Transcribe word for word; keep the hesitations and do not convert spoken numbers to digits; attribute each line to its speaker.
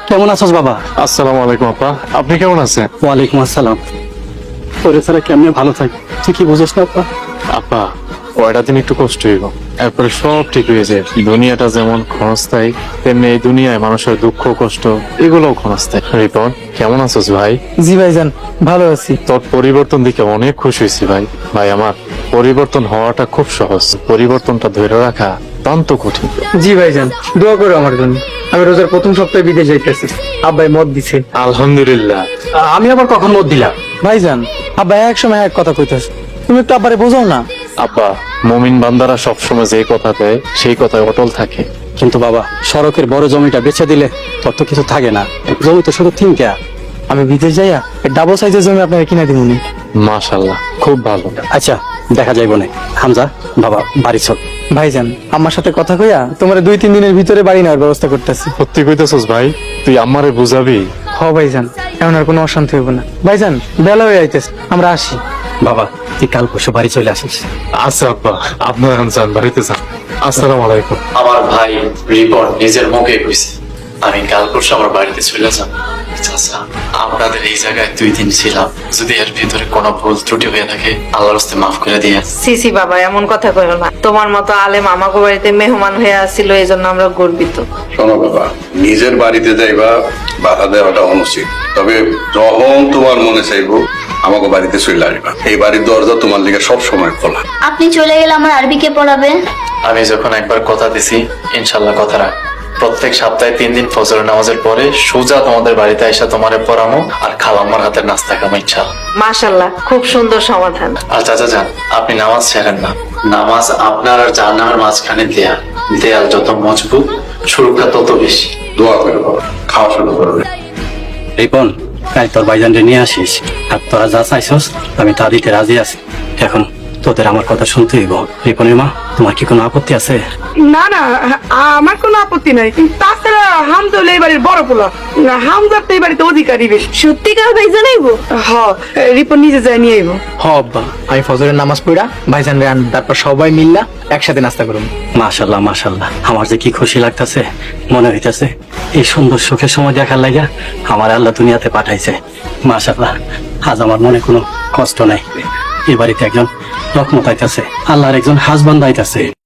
Speaker 1: কেমন আছোস বাবা?
Speaker 2: আসসালামু আলাইকুম আপা, আপনি কেমন আছেন?
Speaker 1: ওয়ালাইকুম আসসালাম। তোরে ছাড়া কেমনে ভালো থাকি, তুই কি বুঝোস না আপা?
Speaker 2: আপা কয়টা দিন একটু কষ্ট হইব, এরপরে সব ঠিক হয়ে যায়। দুনিয়াটা যেমন ক্ষণস্থায়ী, তেমনি এই দুনিয়ায় মানুষের দুঃখ কষ্ট এগুলোও ক্ষণস্থায়ী। রিপন, কেমন আছোস ভাই?
Speaker 3: জি ভাইজান, ভালো আছি।
Speaker 2: তোর পরিবর্তন দেখে অনেক খুশি হয়েছি ভাই। ভাই আমার, পরিবর্তন হওয়াটা খুব সহজ, পরিবর্তনটা ধরে রাখা অত্যন্ত কঠিন।
Speaker 3: জি ভাইজান, দোয়া করো আমার জন্য। আমি রোজার প্রথম সপ্তাহে বিদেশ যাইতেছি, আব্বাই মত দিছে।
Speaker 2: আলহামদুলিল্লাহ।
Speaker 1: আমি আবার কখন মত দিলাম?
Speaker 3: ভাইজান, আব্বাই এক সময় এক কথা কইতেছে, তুমি একটু আব্বারে বোঝাও না।
Speaker 2: আব্বা, মুমিন বান্দারা সবসময় যে কথা দেয় সেই কথায় অটল থাকে।
Speaker 1: কিন্তু বাবা, সড়কের বড় জমিটা বেচে দিলে তোর তো কিছু থাকে না, জমি তো শুধু তিনটা।
Speaker 3: আমি বিদেশ যাইয়া ডাবল সাইজের জমি আপনাকে কিনে দিবনি।
Speaker 2: মাশাআল্লাহ, খুব ভালো।
Speaker 1: আচ্ছা, দেখা যাইব না। হামজা বাবা, বাড়ি চল।
Speaker 3: ভাইজান, আমার সাথে কথা কইয়া তোমার দুই তিন দিনের ভিতরে বাড়ি নেওয়ার ব্যবস্থা করতেছি।
Speaker 2: সত্যি কইতেছস ভাই? তুই আমারে বুঝাবি?
Speaker 3: হ ভাইজান, এমন আর কোনো অশান্তি হইব না। ভাইজান, বেলা হয়ে আইতেছে, আমরা আসি।
Speaker 1: বাবা, তুই কাল পরশু বাড়ি চলে আসিস।
Speaker 2: আচ্ছা আব্বা, আপনার যান, বাড়িতে যান। আসসালামু আলাইকুম।
Speaker 4: আমার ভাই রিপন নিজের মুখে কইছে আমি কাল পরশু আমার বাড়িতে চলে যাব। চাচা, আপনাদের এই জায়গায় দুই দিন ছিলাম, যদি এর ভিতরে কোনো ভুল ত্রুটি হয়ে থাকে আল্লাহর রাস্তায় মাফ করে দিয়ে।
Speaker 5: সিসি বাবা, এমন কথা কইও না। তোমার মতো আলেম আমাকে বাড়িতে মেহমান হয়ে আসছিল, এই জন্য আমরা গর্বিত।
Speaker 6: শোনো বাবা, নিজের বাড়িতে যাইবা বাধা দেওয়াটা অনুচিত। তবে যখন তোমার মনে চাইবো আমাকে বাড়িতে চলে আসবা। এই বাড়ির দরজা তোমার লিগে সব সময় খোলা।
Speaker 7: আপনি চলে গেলে আমার আরবিকে পড়াবে?
Speaker 4: আমি যখন একবার কথা দিছি, ইনশাল্লাহ কথা রাখ। প্রত্যেক সপ্তাহে তিন দিন ফজর নামাজের পরে সোজা তোমাদের বাড়িতে এসে তোমারে পড়ামো আর খালাম্মার হাতের নাস্তা খাবো ইনশাল্লাহ।
Speaker 5: মাশাল্লাহ, খুব সুন্দর সমাধান।
Speaker 4: আর চাচা যান, আপনি নামাজ ছেড়েন না। নামাজ আপনার আর জাহান্নামের মাঝখানে দেয়াল, দেয়াল যত মজবুত সুরক্ষা তত বেশি।
Speaker 6: দোয়া করো বাবা, খাওয়া শুরু করবে।
Speaker 1: রিপন, কাল তোর ভাইজানরে নিয়ে আসিস, আর তোরা যা চাইছস আমি তা দিতে রাজি আছি। এখন তোদের আমার কথা শুনতে হইব। রিপনের মা, তোমার কি কোনো আপত্তি আছে?
Speaker 8: না না, আমার কোনো আপত্তি নাই। তাছাড়া হামজা হলো এই বাড়ির বড় পোলা, হামজার তো এই বাড়িতে অধিকারী বেশি।
Speaker 5: সত্যিকার ভাই জানাইবো?
Speaker 8: হ, রিপন নিজে যায় নিয়ে আইবো।
Speaker 3: হ আব্বা, আমি ফজরের নামাজ পড়া ভাইজান রে আন, তারপর সবাই মিল্লা একসাথে নাস্তা করুন।
Speaker 1: মাশাল্লাহ মাশাল্লাহ, আমার যে কি খুশি লাগতেছে। মনে হইতেছে এই সুন্দর সুখের সময় দেখার লাগা আমার আল্লাহ দুনিয়াতে পাঠাইছে। মাশাল্লাহ, আজ আমার মনে কোনো কষ্ট নাই। এই বাড়িতে একজন রহমত আইতাছে, আল্লাহর একজন হাজবান্দ আইতাছে।